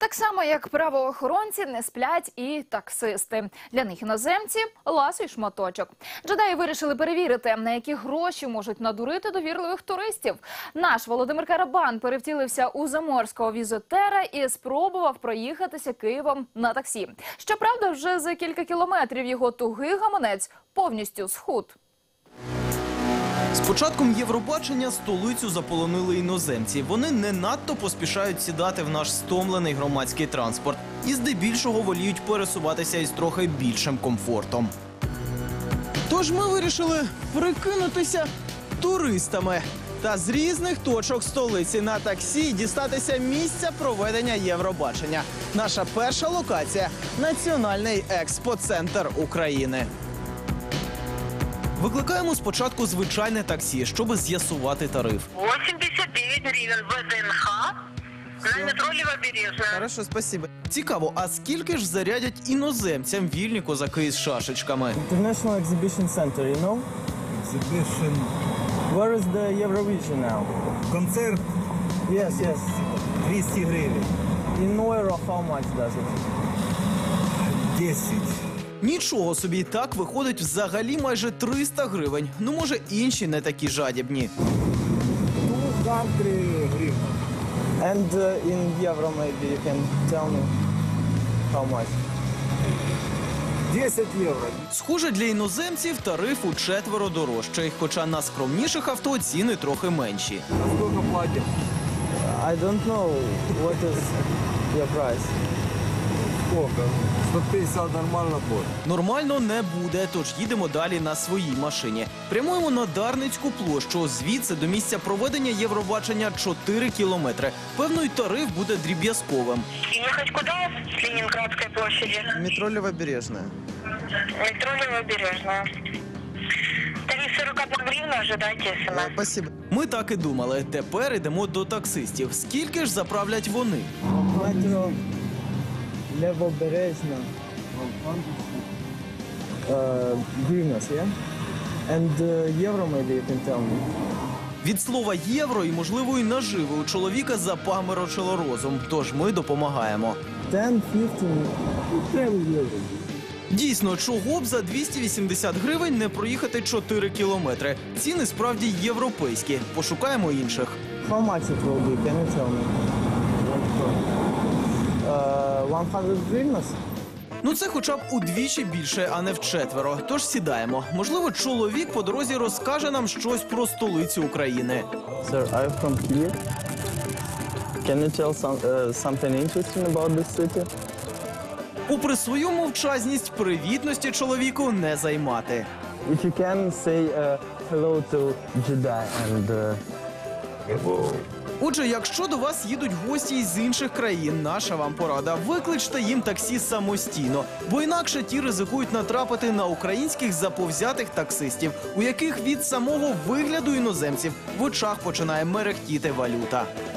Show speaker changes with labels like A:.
A: Так само, як правоохоронці, не сплять і таксисти. Для них іноземці – ласий шматочок. Джедаї вирішили перевірити, на які гроші можуть надурити довірливих туристів. Наш Володимир Карабан перевтілився у заморського візитера і спробував проїхатися Києвом на таксі. Щоправда, вже за кілька кілометрів його тугий гаманець повністю схуд.
B: З початком Євробачення столицю заполонили іноземці. Вони не надто поспішають сідати в наш стомлений громадський транспорт і здебільшого воліють пересуватися із трохи більшим комфортом. Тож ми вирішили прикинутися туристами та з різних точок столиці на таксі дістатися місця проведення Євробачення. Наша перша локація – Національний експоцентр України. Викликаємо спочатку звичайне таксі, щоб з'ясувати тариф.
C: 89 гривен ВДНХ на метро Левобережная.
B: Хорошо, спасибо. Цікаво, а скільки ж зарядять іноземцям вільні козаки з шашечками?
D: International Exhibition Center, you know?
E: Exhibition.
D: Where is the Eurovision now?
E: Концерт
D: Yes, yes.
E: 200 гривень.
D: In euro, how much does it?
E: 10.
B: Нічого собі, так виходить взагалі майже 300 гривень. Ну, може, інші не такі жадібні.
E: Там 3 гривні.
D: And in euro, maybe you can tell me how much?
E: 10 євро.
B: Схоже, для іноземців тариф учетверо дорожчий, хоча на скромніших авто ціни трохи менші.
E: А скільки платять?
D: I don't know what is your price.
E: Скільки? 150 нормально буде.
B: Нормально не буде, тож їдемо далі на своїй машині. Прямуємо на Дарницьку площу. Звідси до місця проведення Євробачення 4 кілометри. Певно, й тариф буде дріб'язковим.
C: Ехать куда? С Ленинградской площади.
D: Метро Левобережная.
C: Метро Левобережная. Тариф 41 гривна, ожидайте смс.
D: Спасибо.
B: Ми так і думали. Тепер йдемо до таксистів. Скільки ж заправлять вони?
D: Метро Левобережна. Гривнас, yeah? And euro, maybe you can tell me.
B: Від слова «євро» і, можливо, і наживи у чоловіка запаморочило розум. Тож ми допомагаємо.
D: 10, 15.
B: Дійсно, чого б за 280 гривень не проїхати 4 кілометри. Ціни справді європейські. Пошукаємо інших.
D: How much it will be? Can you tell me? 100 гривнас?
B: Ну це хоча б удвічі більше, а не вчетверо. Тож сідаємо. Можливо, чоловік по дорозі розкаже нам щось про столицю України.
D: Sir, I'm from here. Can you tell something interesting about this city?
B: Попри свою мовчазність, привітності чоловіку не займати.
D: If you can say hello to Jedi and...
B: Отже, якщо до вас їдуть гості із інших країн, наша вам порада – викличте їм таксі самостійно, бо інакше ті ризикують натрапити на українських заповзятих таксистів, у яких від самого вигляду іноземців в очах починає мерехтіти валюта.